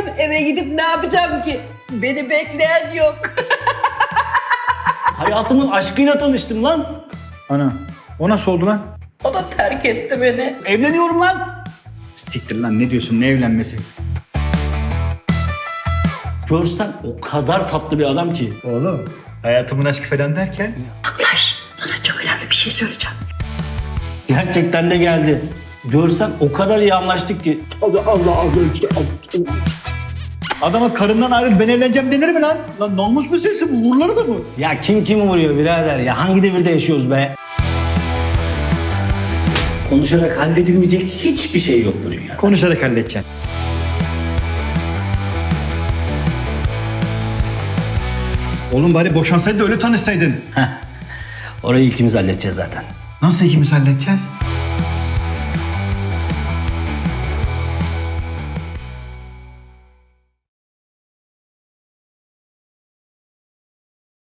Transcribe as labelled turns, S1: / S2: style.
S1: Ben eve gidip ne yapacağım ki? Beni bekleyen yok.
S2: Hayatımın aşkıyla tanıştım lan.
S3: Ana, o nasıl oldu lan?
S1: O da terk etti beni.
S2: Evleniyorum lan.
S3: Siktir lan, ne diyorsun, ne evlenmesi?
S2: Görsen o kadar tatlı bir adam ki.
S3: Oğlum, hayatımın aşkı falan derken?
S1: Aklaş, sana çok önemli bir şey söyleyeceğim.
S2: Gerçekten de geldi. Görsen o kadar iyi anlaştık ki.
S3: Adama karımdan ayrıl, ben evleneceğim denir mi lan? Lan namus meselesi bu, vurları da mı?
S2: Ya kim kimi vuruyor birader ya? Hangi devirde yaşıyoruz be? Konuşarak halledilmeyecek hiçbir şey yok bu dünyada.
S3: Konuşarak halledeceksin. Oğlum bari boşansaydı da öyle tanışsaydın.
S2: Orayı ikimiz halledeceğiz zaten.
S3: Nasıl ikimiz halledeceğiz?